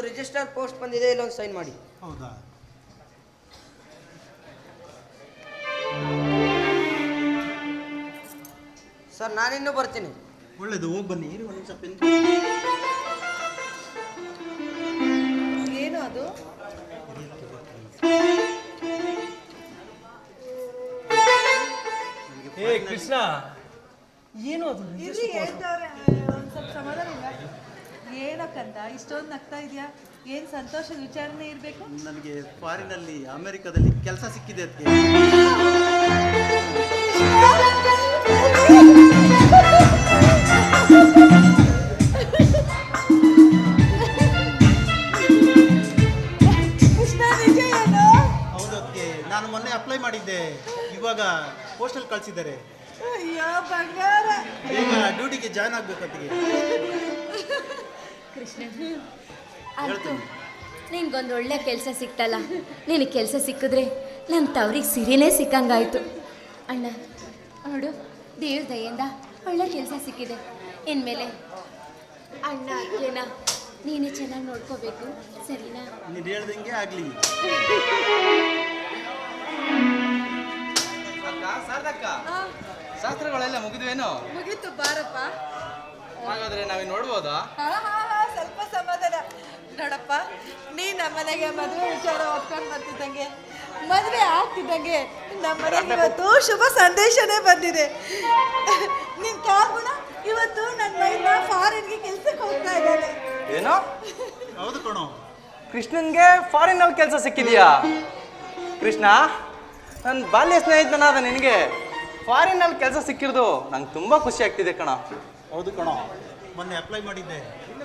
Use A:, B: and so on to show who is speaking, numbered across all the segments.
A: Register post ಬಂದಿದೆ, ಇಲ್ಲೊಂದು sign ಮಾಡಿ.
B: ಹೌದಾ?
A: ಸರ್ ನಾನಿನ್ನೂ ಬರ್ತೀನಿ.
B: ಒಳ್ಳೇದು, ಹೋಗಿ ಬನ್ನಿ. ಒಂದು ನಿಮಿಷ ಪೆನ್.
C: ಏನು ಅದು?
D: ಏ ಕೃಷ್ಣ, ಏನು ಅದು?
C: ಇಲ್ಲಿ ಹೇಳ್ತವ್ರೆ, ಒಂದು ಸ್ವಲ್ಪ ಸಮಾಧಾನ ಇಲ್ಲ. ಏನಕ್ಕಂತ ಇಷ್ಟೊಂದು ನಗ್ತಾ ಇದೆಯಾ? ಏನು ಸಂತೋಷದ ವಿಚಾರನೆ ಇರಬೇಕು?
B: ನನಗೆ ಫಾರಿನಲ್ಲಿ ಅಮೆರಿಕದಲ್ಲಿ ಕೆಲಸ ಸಿಕ್ಕಿದೆ ಅದಕ್ಕೆ. ಹೌದು, ಅದಕ್ಕೆ ನಾನು ಮೊನ್ನೆ ಅಪ್ಲೈ ಮಾಡಿದ್ದೆ, ಇವಾಗ ಪೋಸ್ಟಲ್ಲಿ ಕಳಿಸಿದ್ದಾರೆ.
C: ಅಯ್ಯೋ ಬಂಗಾರ,
B: ಈಗ ಡ್ಯೂಟಿಗೆ ಜಾಯ್ನ್ ಆಗ್ಬೇಕು ಅದಕ್ಕೆ.
E: ಕೃಷ್ಣ, ಆಯ್ತು, ನಿನ್ಗೊಂದು ಒಳ್ಳೆ ಕೆಲಸ ಸಿಕ್ತಲ್ಲ. ನಿನಗೆ ಕೆಲಸ ಸಿಕ್ಕಿದ್ರೆ ನನ್ನ ತವ್ರಿಗೆ ಸಿರಿನೇ ಸಿಕ್ಕಂಗಾಯ್ತು. ಅಣ್ಣ ನೋಡು, ದೇವ್ರ ದಯೆಯಿಂದ ಒಳ್ಳೆ ಕೆಲಸ ಸಿಕ್ಕಿದೆ. ಇನ್ಮೇಲೆ ಅಣ್ಣ ಅಕ್ಕೇನ ನೀನೇ ಚೆನ್ನಾಗಿ ನೋಡ್ಕೋಬೇಕು, ಸರಿನಾ?
B: ನೀನು ಹೇಳ್ದಂಗೆ ಆಗಲಿ.
F: ಸಾರ್ಥಕ, ಶಾಸ್ತ್ರಗಳೆಲ್ಲ ಮುಗಿದ್ವೇನೋ?
C: ಮುಗೀತು ಬಾರಪ್ಪ.
F: ಹಾಗಾದ್ರೆ ನಾವಿನ್ ನೋಡ್ಬೋದಾ?
C: ಸ್ವಲ್ಪ ಸಮಾಧಾನ ನೋಡಪ್ಪ. ನೀ ನಮ್ಮನೆಗೆ ಮದುವೆ ವಿಚಾರ ಒಪ್ಕೊಂಡು ಬರ್ತಿದ್ದಂಗೆ, ಮದುವೆ ಆಗ್ತಿದ್ದಂಗೆ ನಮ್ಮನೆಗೆ ಇವತ್ತು ಶುಭ ಸಂದೇಶನೇ ಬಂದಿದೆ. ನಿನ್ ಕಾಗುಣ ಇವತ್ತು ನನ್ನ ಮೈನ ಫಾರಿನ್ಗೆ ಕೆಲ್ಸಕ್ಕೆ ಹೋಗ್ತಾ ಇದ್ದಾನೆ.
F: ಏನೋ?
B: ಹೌದು ಕಣೋ.
F: ಕೃಷ್ಣನ್ಗೆ ಫಾರಿನಲ್ಲಿ ಕೆಲಸ ಸಿಕ್ಕಿದ್ಯಾ? ಕೃಷ್ಣ, ನನ್ನ ಬಾಲ್ಯ ಸ್ನೇಹಿತನಾದ ನಿನಗೆ ಫಾರಿನಲ್ಲಿ ಕೆಲಸ ಸಿಕ್ಕಿರೋದು ನಂಗೆ ತುಂಬ ಖುಷಿ ಆಗ್ತಿದೆ ಕಣ.
B: ಹೌದು ಕಣೋ, ಮೊನ್ನೆ ಅಪ್ಲೈ ಮಾಡಿದ್ದೆ.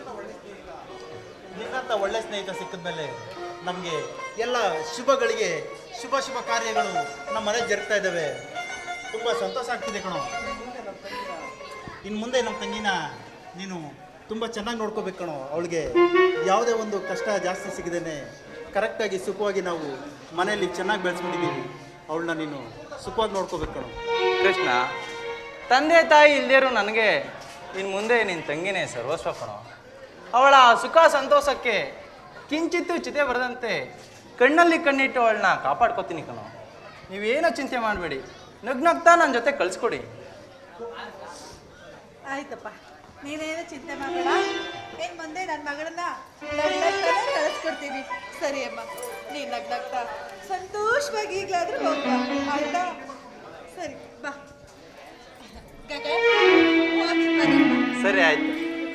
B: ನಿನ್ನಂತ ಒಳ್ಳೆ ಸ್ನೇಹಿತ ಸಿಕ್ಕಿದ್ಮೇಲೆ ನಮಗೆ ಎಲ್ಲ ಶುಭಗಳಿಗೆ ಶುಭ ಕಾರ್ಯಗಳು ನಮ್ಮ ಮನೆಗೆ ಜರುಗ್ತಾ ಇದ್ದಾವೆ. ತುಂಬ ಸಂತೋಷ ಆಗ್ತಿದೆ ಕಣೋ. ಇನ್ನು ಮುಂದೆ ನಮ್ಮ ತಂಗಿನ ನೀನು ತುಂಬ ಚೆನ್ನಾಗಿ ನೋಡ್ಕೋಬೇಕು ಕಣೋ. ಅವಳಿಗೆ ಯಾವುದೇ ಒಂದು ಕಷ್ಟ ಜಾಸ್ತಿ ಸಿಗದೇನೆ ಕರೆಕ್ಟಾಗಿ ಸುಖವಾಗಿ ನಾವು ಮನೆಯಲ್ಲಿ ಚೆನ್ನಾಗಿ ಬೆಳೆಸ್ಕೊಂಡಿದ್ದೀವಿ. ಅವಳನ್ನ ನೀನು ಸುಖವಾಗಿ ನೋಡ್ಕೋಬೇಕು ಕಣೋ.
F: ಕೃಷ್ಣ, ತಂದೆ ತಾಯಿ ಇಲ್ದೇರು ನನಗೆ ಇನ್ನು ಮುಂದೆ ನಿನ್ನ ತಂಗಿನೇ ಸರ್ವಸ್ವ ಕಣೋ. ಅವಳ ಸುಖ ಸಂತೋಷಕ್ಕೆ ಕಿಂಚಿತ್ತೂ ಚಿತೆ ಬರದಂತೆ ಕಣ್ಣಲ್ಲಿ ಕಣ್ಣಿಟ್ಟು ಅವಳನ್ನ ಕಾಪಾಡ್ಕೊತೀನಿ ಕಣೋ. ನೀವೇನೋ ಚಿಂತೆ ಮಾಡಬೇಡಿ, ನಗ್ನಗ್ತಾ ನನ್ನ ಜೊತೆ ಕಳಿಸ್ಕೊಡಿ.
C: ಆಯ್ತಪ್ಪ, ನೀನೇನು ಚಿಂತೆ ಮಾಡಬೇಡ. ಏನು ಮುಂದೆ ನನ್ನ ಮಗಳನ್ನ ಕಳಿಸ್ಕೊಡ್ತೀನಿ. ಸರಿ ಅಮ್ಮ, ನೀನು ನಗ್ನಗ್ತಾ ಸಂತೋಷವಾಗಿ ಈಗಲಾದ್ರೂ ಹೋಗ್ಬಾ, ಆಯ್ತಾ? ಸರಿ ಬಾ.
F: ಸರಿ ಆಯ್ತು.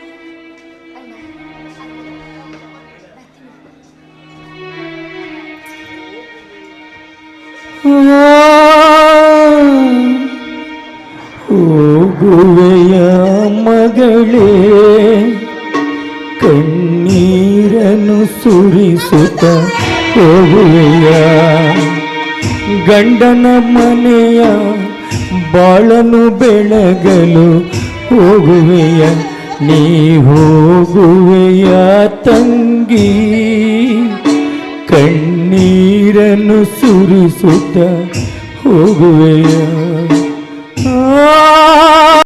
G: ಹೋಗುವೆಯ ಮಗಳೇ, ಕಣ್ಣೀರನ್ನು ಸುರಿಸುತ್ತ ಹೋಗುವೆಯ, ಗಂಡನ ಮನೆಯ ಬಾಳನು ಬೆಳಗಲು ಹೋಗುವೆಯ, ನೀ ಹೋಗುವೆಯ ತಂಗಿ, ಕಣ್ಣೀರನ್ನು ಸುರಿಸುತ್ತ ಹೋಗುವೆಯ.